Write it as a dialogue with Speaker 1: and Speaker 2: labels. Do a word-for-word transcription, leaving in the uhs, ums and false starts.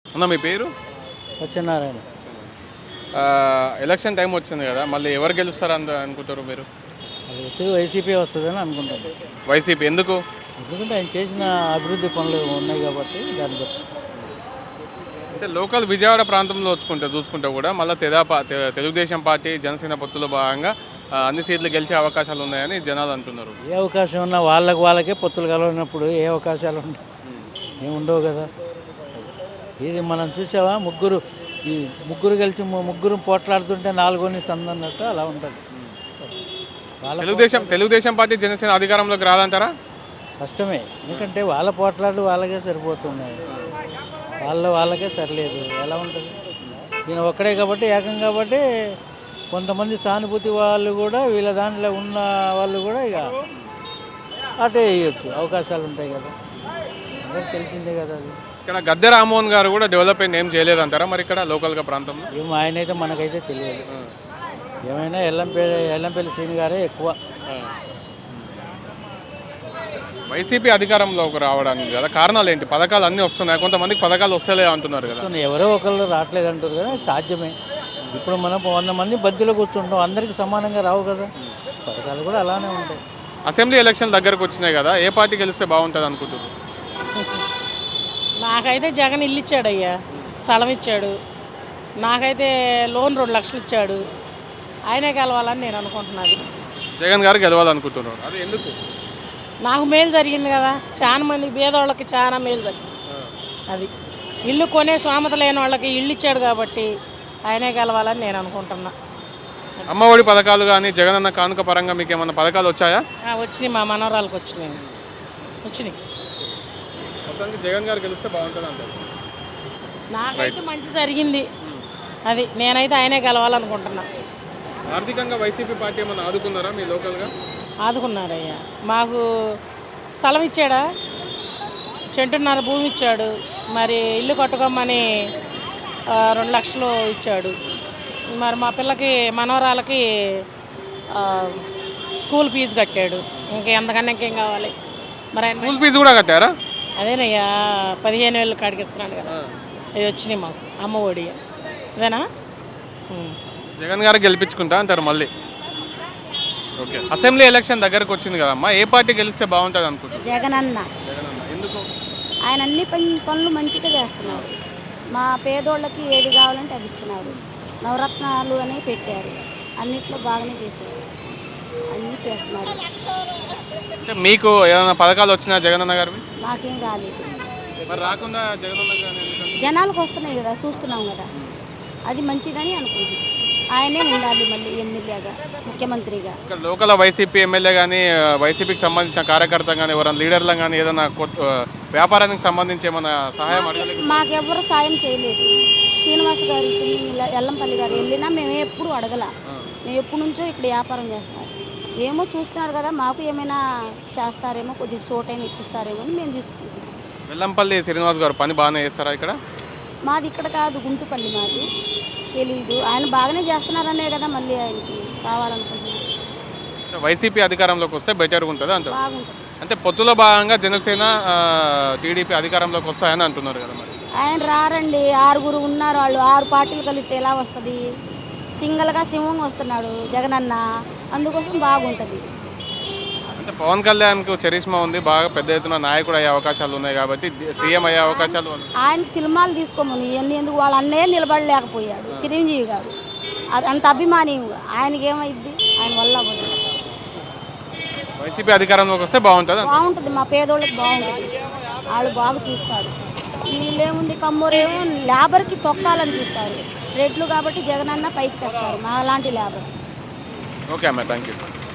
Speaker 1: అన్న మీ పేరు?
Speaker 2: సత్యనారాయణ.
Speaker 1: ఆహ్, ఎలక్షన్ టైం వచ్చింది కదా! మళ్ళీ ఎవరు గెలుస్తారు అంద అనుకుంటారు మీరు?
Speaker 2: అది వచ్చి వైసీపీ వస్తుందని అనుకుంటాను.
Speaker 1: వైసీపీ ఎందుకు?
Speaker 2: ఎందుకంటే ఆయన చేసిన అభివృద్ధి పనులు ఉన్నాయి కాబట్టి దాన్ని బట్టి.
Speaker 1: అంటే లోకల్ విజయవాడ ప్రాంతంలో వచ్చుకుంటే చూసుకుంటే కూడా మళ్ళీ తెదాపా తె తెలుగుదేశం పార్టీ, జనసేన పొత్తులో భాగంగా ఆహ్, అన్ని సీట్లు గెలిచే అవకాశాలు ఉన్నాయని జనాలు అంటున్నారు.
Speaker 2: ఏ అవకాశం ఉన్నా వాళ్ళకి వాళ్ళకే పొత్తులు కలవనప్పుడు ఏ అవకాశాలు ఉంటాయి? ఏమి ఉండవు కదా. ఇది మనం చూసావా, ముగ్గురు ఈ ముగ్గురు కలిసి ము- ముగ్గురు పోట్లాడుతుంటే నాలుగోని సందన్నట్టు అలా ఉంటుంది. వాళ్ళ
Speaker 1: తెలుగుదేశం తెలుగుదేశం పార్టీ, జనసేన అధికారంలోకి రాదంటారా?
Speaker 2: కష్టమే, ఎందుకంటే వాళ్ళ పోట్లాడు వాళ్ళకే సరిపోతున్నాయి, వాళ్ళ వాళ్ళకే సరిలేదు. ఎలా ఉంటుంది? ఈయన ఒక్కడే కాబట్టి, ఏకం కాబట్టి కొంతమంది సానుభూతి వాళ్ళు కూడా వీళ్ళ దాంట్లో ఉన్న వాళ్ళు కూడా ఇక అటే వేయచ్చు, అవకాశాలు ఉంటాయి కదా. అందరికి తెలిసిందే కదా అది.
Speaker 1: ఇక్కడ గద్దె రామ్మోహన్ గారు కూడా డెవలప్మెంట్ ఏం చేయలేదంటారా మరి ఇక్కడ లోకల్గా ప్రాంతంలో?
Speaker 2: ఏమో ఆయనైతే మనకైతే తెలియదు. ఏమైనా ఎల్లంపల్లి ఎల్లంపల్లి శ్రీని గారే ఎక్కువ.
Speaker 1: వైసీపీ అధికారంలోకి రావడానికి కదా కారణాలు ఏంటి? పథకాలు అన్నీ వస్తున్నాయి, కొంతమందికి పథకాలు వస్తలే అంటున్నారు కదా.
Speaker 2: సో ఎవరో ఒకళ్ళు రావట్లేదు అంటారు కదా, సాధ్యమే. ఇప్పుడు మనం వంద మంది బద్దీలో కూర్చుంటాం, అందరికీ సమానంగా రావు కదా. పథకాలు కూడా అలానే ఉంటాయి.
Speaker 1: అసెంబ్లీ ఎలక్షన్ దగ్గరకు వచ్చినాయి కదా, ఏ పార్టీ గెలిస్తే బాగుంటుంది అనుకుంటున్నారు?
Speaker 3: నాకైతే జగన్ ఇల్లు ఇచ్చాడు అయ్యా, స్థలం ఇచ్చాడు. నాకైతే లోన్ రెండు లక్షలు ఇచ్చాడు. ఆయనే కలవాలని నేను అనుకుంటున్నాను.
Speaker 1: జగన్ గారు గెలవాలనుకుంటున్నారు, అది ఎందుకు?
Speaker 3: నాకు మేలు జరిగింది కదా, చాలా మంది పేదవాళ్ళకి చాలా మేలు జరిగింది. అది ఇల్లు కొనే స్వామత లేని వాళ్ళకి ఇల్లు ఇచ్చాడు కాబట్టి ఆయనే గెలవాలని నేను అనుకుంటున్నా.
Speaker 1: అమ్మఒడి పథకాలు కానీ జగనన్న కానుక పరంగా మీకు ఏమైనా పథకాలు వచ్చాయా?
Speaker 3: ఆ, వచ్చినాయి, మా మనవరాలకు వచ్చినాయి వచ్చినాయి
Speaker 1: మొత్తానికి జగన్ గారు గెలిస్తే బాగుంటుంది అంటారు.
Speaker 3: నాకైతే మంచి జరిగింది. అది నేనైతే ఆయనే గెలవాలనుకుంటున్నా.
Speaker 1: ఆర్థికంగా వైసీపీ పార్టీ ఏమైనా ఆదుకున్నారా మీ లోకల్గా?
Speaker 3: ఆదుకున్నారయ్యా, మాకు స్థలం ఇచ్చాడా, సెంటున్నర భూమి ఇచ్చాడు, మరి ఇల్లు కట్టుకోమని ఆ, రెండు లక్షలు ఇచ్చాడు. మరి మా పిల్లకి మనవరాలకి ఆ, స్కూల్ ఫీజు కట్టాడు. ఇంకా ఎంతకన్నా ఇంకేం కావాలి మరి ఆయన.
Speaker 1: స్కూల్ ఫీజు కూడా కట్టారా?
Speaker 3: అదేనయ్యా, పదిహేను వేలు కాడికి ఇస్తున్నాడు కదా, అవి వచ్చినాయి మాకు అమ్మ ఒడి. అదేనా? ఉం.
Speaker 1: జగన్ గారు గెలిపించుకుంటా అంటారు మళ్ళీ. ఓకే, అసెంబ్లీ ఎలక్షన్ దగ్గరకు వచ్చింది కదమ్మా, ఏ పార్టీ గెలిస్తే బాగుంటుంది అనుకుంటున్నారు?
Speaker 4: జగనన్న
Speaker 1: జగన్ అన్న ఎందుకు?
Speaker 4: ఆయన అన్ని పని- పనులు మంచిగా చేస్తున్నారు. మా పేదోళ్ళకి ఏది కావాలంటే అది ఇస్తున్నారు. నవరత్నాలు అని పెట్టారు, అన్నిట్లో బాగానే చేశారు, అన్నీ చేస్తున్నారు.
Speaker 1: అంటే మీకు ఏమైనా పథకాలు వచ్చినా జగన్ అన్న గారివి?
Speaker 4: మాకేం రాలేదు.
Speaker 1: మరి రాకుండా జగన్ అన్న గారిని ఎందుకంటే?
Speaker 4: జనాలకు వస్తున్నాయి కదా, చూస్తున్నాం కదా, అది మంచిదని అనుకుంటున్నాం. ఆయనే ఉండాలి మళ్ళీ ఎమ్మెల్యేగా, ముఖ్యమంత్రిగా.
Speaker 1: ఇక్కడ లోకల్ వైసీపీ ఎమ్మెల్యే కానీ, వైసీపీకి సంబంధించిన కార్యకర్త కానీ, ఎవరైనా లీడర్లు కానీ ఏదైనా కొత్త వ్యాపారానికి సంబంధించి ఏమైనా సహాయం అడగలేదు?
Speaker 4: మాకెవ్వరు సాయం చేయలేదు. శ్రీనివాస్ గారు ఇప్పుడు ఇలా ఎల్లంపల్లి గారు వెళ్ళినా మేము ఎప్పుడు అడగల. మేము ఎప్పటి నుంచో ఇక్కడ వ్యాపారం చేస్తున్నారు. ఏమో చూస్తున్నారు కదా, మాకు ఏమైనా చేస్తారేమో, కొద్దిగా చోటైనా ఇప్పిస్తారేమో అని మేము తీసుకుంటాం.
Speaker 1: వెల్లంపల్లి శ్రీనివాస్ గారు పని బాగానే చేస్తారా ఇక్కడ?
Speaker 4: మాది ఇక్కడ కాదు, గుంటుపల్లి మాది. తెలీదు, ఆయన బాగానే చేస్తున్నారనే కదా మళ్ళీ ఆయనకి కావాలనుకుంటున్నారు.
Speaker 1: వైసీపీ అధికారంలోకి వస్తే బెటర్గా ఉంటుంది అంటారు.
Speaker 4: బాగుంటుంది.
Speaker 1: అంటే పొత్తులో భాగంగా జనసేన, టీడీపీ అధికారంలోకి వస్తాయని అంటున్నారు కదా మరి.
Speaker 4: ఆయన రారండి, ఆరుగురు ఉన్నారు, వాళ్ళు ఆరు పార్టీలు కలిస్తే ఎలా వస్తుంది? సింగల్గా సింహంగా వస్తున్నాడు జగనన్న, అందుకోసం బాగుంటుంది.
Speaker 1: అంటే పవన్ కళ్యాణ్కు చరిష్మా ఉంది, బాగా పెద్ద ఎత్తున నాయకుడు అయ్యే అవకాశాలు ఉన్నాయి కాబట్టి సీఎం అయ్యే అవకాశాలు ఉన్నాయి.
Speaker 4: ఆయనకి సినిమాలు తీసుకోమని ఇవన్నీ ఎందుకు, వాళ్ళ అన్నయ్య నిలబడలేకపోయాడు చిరంజీవి గారు, అ- అంత అభిమాని. ఆయనకి ఏమైద్ది, ఆయన వల్ల అవ్వదు.
Speaker 1: వైసీపీ అధికారంలోకి వస్తే బాగుంటుంది అంటారు.
Speaker 4: బాగుంటుంది, మా పేదోళ్ళకి బాగుంటుంది, వాళ్ళు బాగా చూస్తారు. వీళ్ళేముంది, కమ్మోరేమో లేబర్కి తొక్కాలని చూస్తారు. రెడ్లు కాబట్టి జగనన్న పైకి తెస్తారు మా లాంటి లేబర్.
Speaker 1: ఓకే అమ్మ, థ్యాంక్ యూ.